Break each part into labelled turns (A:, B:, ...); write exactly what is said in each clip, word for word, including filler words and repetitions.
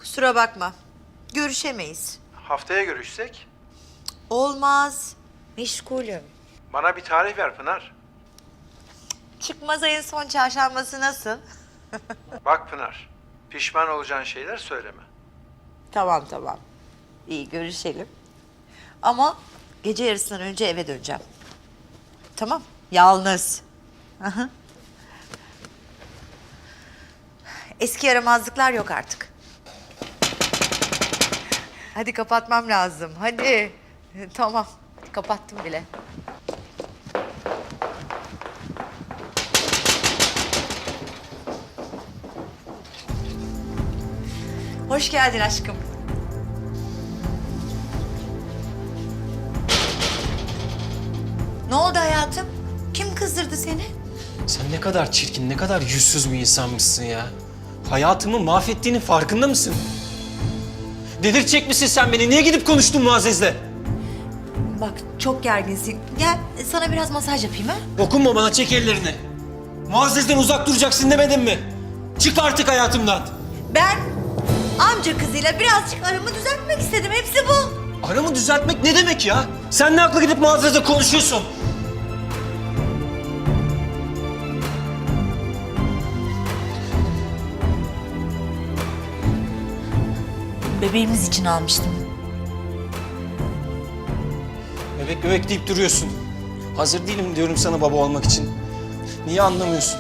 A: Kusura bakma. Görüşemeyiz.
B: Haftaya görüşsek?
A: Olmaz. Meşgulüm.
B: Bana bir tarih ver Pınar.
A: Çıkmaz ayın son çarşambası nasıl?
B: Bak Pınar, pişman olacağın şeyler söyleme.
A: Tamam tamam. İyi görüşelim. Ama gece yarısından önce eve döneceğim. Tamam. Yalnız. Aha. Eski yaramazlıklar yok artık. Hadi kapatmam lazım. Hadi. Tamam. Kapattım bile. Hoş geldin aşkım. Ne oldu hayatım? Kim kızdırdı seni?
C: Sen ne kadar çirkin, ne kadar yüzsüz bir insanmışsın ya. Hayatımı mahvettiğinin farkında mısın? Delirtecek misin sen beni? Niye gidip konuştun Muazzez'le?
A: Bak çok gerginsin. Gel sana biraz masaj yapayım ha?
C: Dokunma bana, çek ellerini. Muazzez'den uzak duracaksın demedim mi? Çık artık hayatımdan.
A: Ben amca kızıyla birazcık aramı düzeltmek istedim. Hepsi bu.
C: Aramı düzeltmek ne demek ya? Sen ne akla gidip Muazzez'le konuşuyorsun?
A: Bebeğimiz için almıştım.
C: Bebek bebek deyip duruyorsun. Hazır değilim diyorum sana baba olmak için. Niye anlamıyorsun?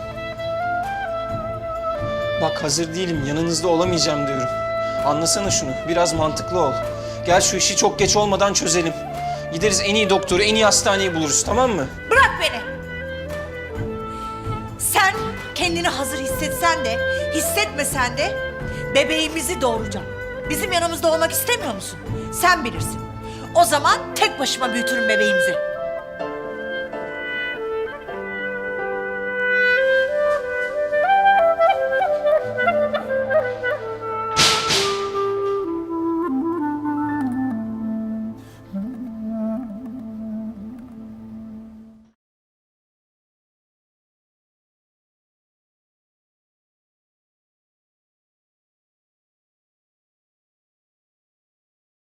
C: Bak hazır değilim, yanınızda olamayacağım diyorum. Anlasana şunu, biraz mantıklı ol. Gel şu işi çok geç olmadan çözelim. Gideriz en iyi doktoru, en iyi hastaneyi buluruz, tamam mı?
A: Bırak beni. Sen kendini hazır hissetsen de, hissetmesen de bebeğimizi doğuracağım. Bizim yanımızda olmak istemiyor musun? Sen bilirsin. O zaman tek başıma büyütürüm bebeğimizi.